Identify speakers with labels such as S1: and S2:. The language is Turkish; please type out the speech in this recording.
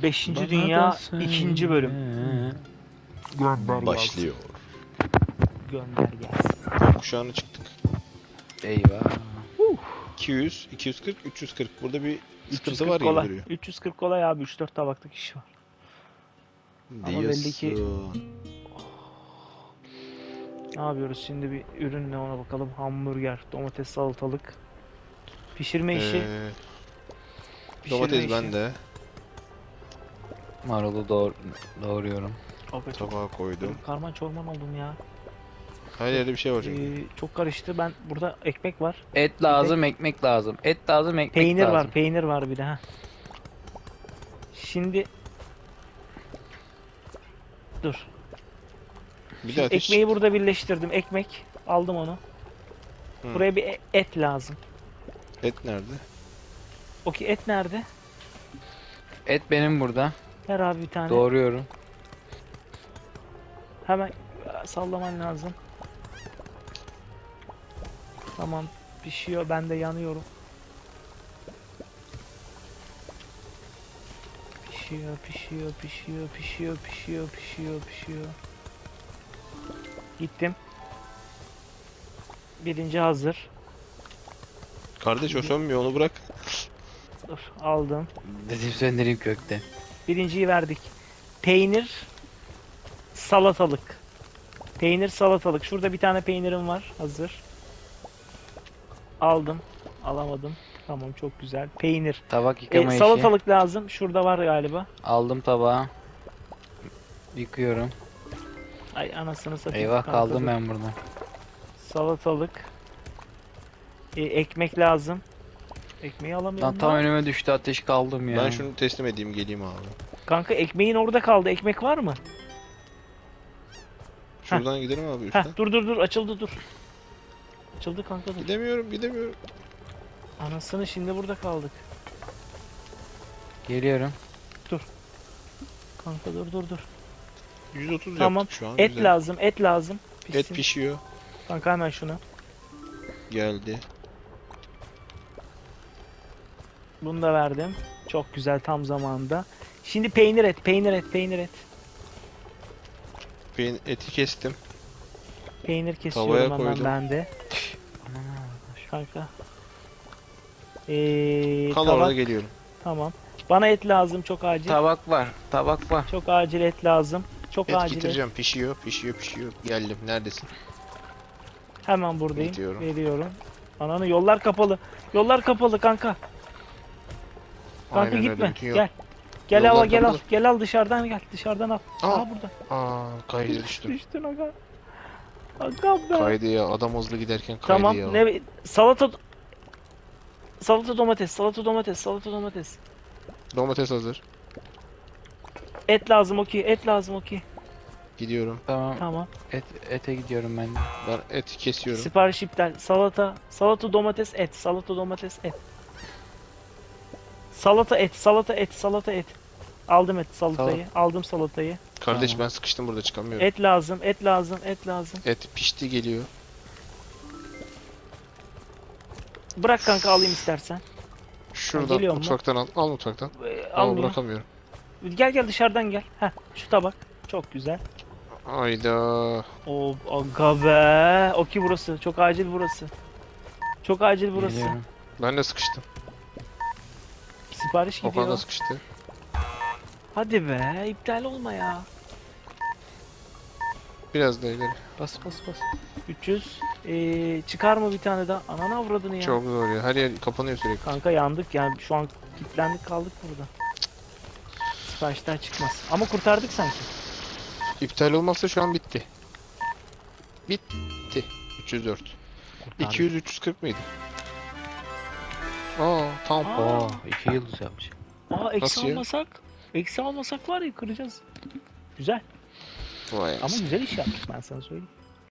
S1: 5.
S2: Bana
S1: Dünya
S2: da söyle.
S1: 2. bölüm. Gönder
S2: Başlıyor.
S1: Gönder gelsin.
S3: Gökkuşağına çıktık.
S2: Eyvah.
S3: 200, 240, 340. Burada bir sıkıntı
S1: 340
S3: var gibi
S1: kolay.
S3: duruyor.
S1: 340 kolay abi, 3-4 tabaklık iş var. Ama belli ki-
S3: Diyorsun.
S1: Ne yapıyoruz şimdi, bir ürünle ona bakalım. Hamburger, domates, salatalık. Pişirme işi. Pişirme
S3: Domates
S1: işi.
S3: bende.
S2: Marulu doğruyorum.
S1: Abi çok
S3: Tabağa koydum.
S1: karman çorman oldum ya.
S3: Her yerde bir şey var çünkü.
S1: Çok karıştı. Ben burada ekmek var.
S2: Et lazım, ekmek lazım. Et lazım, ekmek
S1: Peynir
S2: lazım.
S1: var, peynir var bir de ha. Şimdi dur.
S3: Bir de ateş.
S1: Ekmeği burada birleştirdim. Ekmek aldım onu.
S3: Hı.
S1: Buraya bir et lazım.
S3: Et nerede?
S1: Okey, et nerede?
S2: Et benim burada.
S1: Ver abi bir tane.
S2: Doğruyorum.
S1: Hemen sallaman lazım. Tamam, pişiyor. Ben de yanıyorum. Pişiyor, pişiyor, pişiyor, pişiyor, pişiyor, pişiyor, pişiyor. Gittim. Birinci hazır.
S3: Kardeş o sönmüyor, onu bırak.
S1: Dur, aldım.
S2: Dedim söndüreyim kökte.
S1: Birinciyi verdik. Peynir, salatalık. Peynir, salatalık. Şurada bir tane peynirim var. Hazır. Aldım. Alamadım. Tamam, çok güzel. Peynir.
S2: Tabak yıkama işi.
S1: Salatalık lazım. Şurada var galiba.
S2: Aldım tabağı. Yıkıyorum.
S1: Ay anasını satayım.
S2: Eyvah,
S1: Kanka
S2: kaldım
S1: dur.
S2: ben burada.
S1: Salatalık. Ekmek lazım. Ekmeği alamıyorum.
S2: Lan tam
S1: lan.
S2: önüme düştü, ateş kaldım ya.
S3: Ben şunu teslim edeyim, geleyim abi.
S1: Kanka ekmeğin orada kaldı. Ekmek var mı?
S3: Şuradan gidelim abi üstten.
S1: Heh, dur açıldı, dur. Açıldı kanka, dur.
S3: Gidemiyorum.
S1: Anasını, şimdi burada kaldık.
S2: Geliyorum.
S1: Kanka dur.
S3: 130
S1: Tamam.
S3: yaptık şu an.
S1: Et
S3: güzel.
S1: lazım, et lazım. Pişsin.
S3: Et pişiyor.
S1: Kanka hemen şunu.
S3: Geldi.
S1: Bunu da verdim. Çok güzel, tam zamanında. Şimdi peynir et.
S3: Eti kestim.
S1: Peynir
S3: Tavaya
S1: kesiyorum hemen
S3: koydum.
S1: ben de. Kanka.
S3: Kal
S1: Tabak.
S3: orada, geliyorum.
S1: Tamam. Bana et lazım, çok acil.
S2: Tabak var. Tabak var.
S1: Çok acil et lazım. Çok
S3: Et
S1: acil et.
S3: getireceğim. Pişiyor. Geldim. Neredesin?
S1: Hemen buradayım.
S3: Gidiyorum.
S1: Veriyorum. Ananı, yollar kapalı. Yollar kapalı kanka. Kanka
S3: Aynen
S1: gitme.
S3: öyle. Bütün yol.
S1: Gel. Gel
S3: Yollar
S1: al, gel al.
S3: kapalı.
S1: Gel al, dışarıdan gel. Dışarıdan al.
S3: Aa.
S1: Aa burada.
S3: Kaydı düştüm.
S1: Düştün aga. Aga be.
S3: Kaydı ya. Adam hızlı giderken kaydı
S1: Tamam.
S3: ya.
S1: Ne salata domates.
S3: Domates hazır.
S1: Et lazım, okey.
S3: Gidiyorum.
S2: Tamam.
S1: Tamam.
S2: Ete gidiyorum ben de.
S3: Ben et kesiyorum.
S1: Sipariş iptal. Salata domates et. Salata et. Aldım salatayı. Aldım salatayı.
S3: Kardeş
S2: Tamam.
S3: ben sıkıştım burada, çıkamıyorum.
S1: Et lazım.
S3: Et pişti, geliyor.
S1: Bırak kanka, alayım istersen.
S3: Şuradan
S1: geliyor mu?
S3: mutfaktan al. Al mutfaktan. Al,
S1: Almıyor.
S3: bırakamıyorum.
S1: Gel dışarıdan gel. Heh, şu tabak. Çok güzel.
S3: Ayda.
S1: O aga be. Okey, burası. Çok acil burası.
S2: Geliyorum.
S3: Ben de sıkıştım.
S1: Sipariş
S3: Okan da
S1: gidiyor.
S3: sıkıştı.
S1: Hadi be. İptal olma ya.
S3: Biraz da ileri.
S1: Bas. 300. Çıkar mı bir tane daha? Ananı avradını ya.
S3: Çok zor ya. Her yer kapanıyor sürekli.
S1: Kanka yandık yani, şu an kilitlendik kaldık burada. Siparişler çıkmaz. Ama kurtardık sanki.
S3: İptal olmazsa şu an bitti. Bitti. 304.
S1: Kurtardık.
S3: 200 340 mıydı? Tam.
S1: Aa.
S2: Oo, 2 yıldız yapmış.
S3: Nasıl ya?
S1: Eksi almasak var ya, kıracağız. Güzel.
S3: Vay
S1: Ama
S3: anasını.
S1: güzel iş yaptık, ben sana söyleyeyim.